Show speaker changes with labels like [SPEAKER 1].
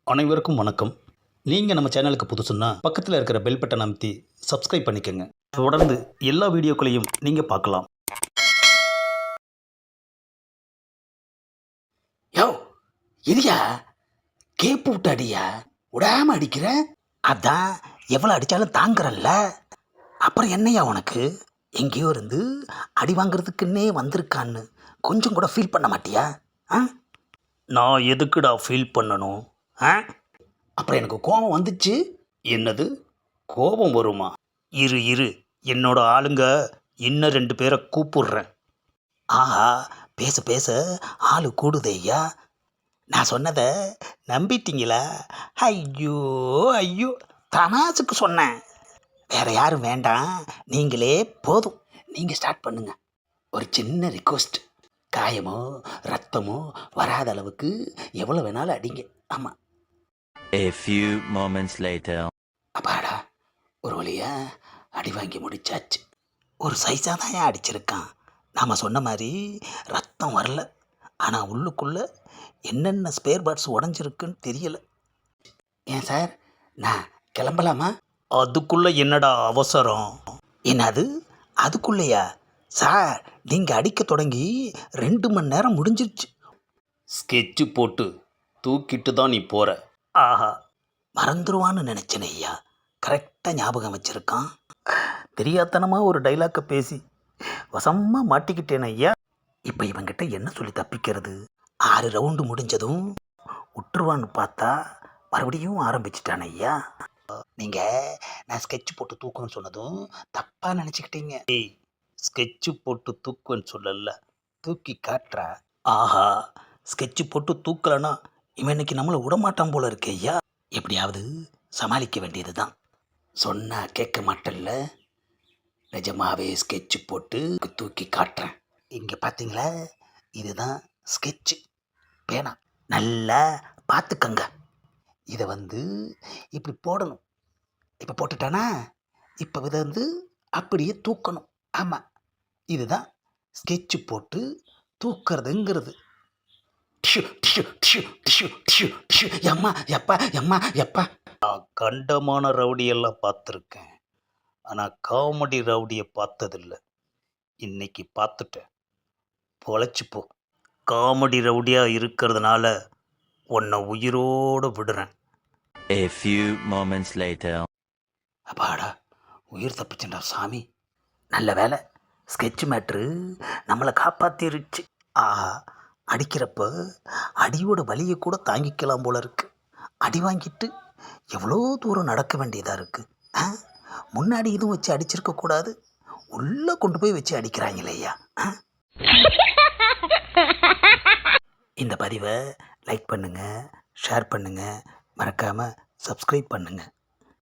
[SPEAKER 1] அனைவருக்கும் வணக்கம். நீங்கள் நம்ம சேனலுக்கு புதுசுன்னா பக்கத்தில் இருக்கிற பெல் பட்டன் அமைத்தி சப்ஸ்கிரைப் பண்ணிக்கோங்க. தொடர்ந்து எல்லா வீடியோக்களையும் நீங்கள் பார்க்கலாம்.
[SPEAKER 2] யோ இரியா கேப்பு விட்டு அடியா விடாம அடிக்கிற. அதான் எவ்வளோ அடித்தாலும் தாங்குறல்ல, அப்புறம் என்னையா உனக்கு எங்கேயோ இருந்து அடி வாங்குறதுக்குன்னே வந்திருக்கான்னு கொஞ்சம் கூட ஃபீல் பண்ண மாட்டியா? ஆ
[SPEAKER 1] நான் எதுக்குடா ஃபீல் பண்ணணும்?
[SPEAKER 2] அப்புறம் எனக்கு கோபம் வந்துச்சு.
[SPEAKER 1] என்னது, கோபம் வருமா? இரு இரு, என்னோட ஆளுங்க இன்னும் 2 பேரை கூப்பிடுறேன்.
[SPEAKER 2] ஆஹா, பேச பேச ஆளு கூடுதேய்யா. நான் சொன்னதை நம்பிட்டீங்களா? ஐயோ ஐயோ, தமாசுக்கு சொன்னேன். வேற யாரும் வேண்டாம், நீங்களே போதும். நீங்கள் ஸ்டார்ட் பண்ணுங்க. ஒரு சின்ன ரிக்வஸ்ட், காயமோ ரத்தமோ வராத அளவுக்கு எவ்வளோ வேணாலும் அடிங்க. ஆமாம்.
[SPEAKER 3] A few moments later.
[SPEAKER 2] அப்பாடா, ஒரு வழியா அடி வாங்கி முடிச்சாச்சு. ஒரு சைஸாக தான் ஏன் அடிச்சிருக்கான். நாம் சொன்ன மாதிரி ரத்தம் வரல, ஆனால் உள்ளுக்குள்ளே என்னென்ன ஸ்பேர் பார்ட்ஸ் உடஞ்சிருக்குன்னு தெரியலை. ஏன் சார், நான் கிளம்பலாமா?
[SPEAKER 1] அதுக்குள்ளே என்னடா அவசரம்?
[SPEAKER 2] என்னது அதுக்குள்ளேயா? சார், நீங்கள் அடிக்க தொடங்கி 2 மணி நேரம் முடிஞ்சிருச்சு.
[SPEAKER 1] ஸ்கெட்சு போட்டு தூக்கிட்டு தான் நீ போகிற.
[SPEAKER 2] ஆஹா, மறந்துடுவான்னு நினச்சேன் ஐயா. கரெக்டாக ஞாபகம் வச்சுருக்கான்.
[SPEAKER 1] தெரியாதனமாக ஒரு டைலாக்கை பேசி வசமாக மாட்டிக்கிட்டேன் ஐயா.
[SPEAKER 2] இப்போ இவங்கிட்ட என்ன சொல்லி தப்பிக்கிறது? 6 ரவுண்டு முடிஞ்சதும் விட்டுருவான்னு பார்த்தா மறுபடியும் ஆரம்பிச்சிட்டான் ஐயா. நீங்கள் நான் ஸ்கெட்ச் போட்டு தூக்கணும்னு சொன்னதும் தப்பாக நினச்சிக்கிட்டீங்க.
[SPEAKER 1] ஏய், ஸ்கெட்சு போட்டு தூக்குன்னு சொல்லல,
[SPEAKER 2] தூக்கி காட்டுறா.
[SPEAKER 1] ஆஹா, ஸ்கெட்சு போட்டு தூக்கலைன்னா
[SPEAKER 2] இவன் இன்னைக்கு நம்மளை விடமாட்டான் போல இருக்கு ஐயா. எப்படியாவது சமாளிக்க வேண்டியது தான். சொன்னால் கேட்க மாட்டேன்ல, நிஜமாவே ஸ்கெட்சு போட்டு தூக்கி காட்டுறேன். இங்கே பார்த்தீங்களா, இதுதான் ஸ்கெட்சு பேனா. நல்லா பார்த்துக்கங்க. இதை இப்படி போடணும். இப்போ போட்டுட்டானா, இப்போ இதை அப்படியே தூக்கணும். ஆமாம், இதுதான் ஸ்கெட்சு போட்டு தூக்கிறதுங்கிறது. எம்மா எப்பா எம்மா எப்பா.
[SPEAKER 1] நான் கண்டமான ரவுடியெல்லாம் பார்த்துருக்கேன், ஆனால் காமெடி ரவுடியை பார்த்ததில்லை. இன்னைக்கு பார்த்துட்டேன், பொழைச்சிப்போ. காமெடி ரவுடியாக இருக்கிறதுனால உன்னை உயிரோடு விடுறேன்.
[SPEAKER 3] A few moments later.
[SPEAKER 2] அப்பாடா, உயிர் தப்பிச்சண்டா சாமி. நல்ல வேலை, ஸ்கெட்ச் மேட்ரு நம்மளை காப்பாற்றிருச்சு. ஆஹா, அடிக்கிறப்ப அடியோட வலியை கூட தாங்கிக்கலாம் போல இருக்கு. அடி வாங்கிட்டு எவ்வளோ தூரம் நடக்க வேண்டியதாக இருக்குது. முன்னாடி இதுவும் வச்சு அடிச்சிருக்கக்கூடாது, உள்ளே கொண்டு போய் வச்சு அடிக்கிறாங்களே ஐயா. இந்த பதிவை லைக் பண்ணுங்கள், ஷேர் பண்ணுங்கள், மறக்காமல் சப்ஸ்கிரைப் பண்ணுங்கள்.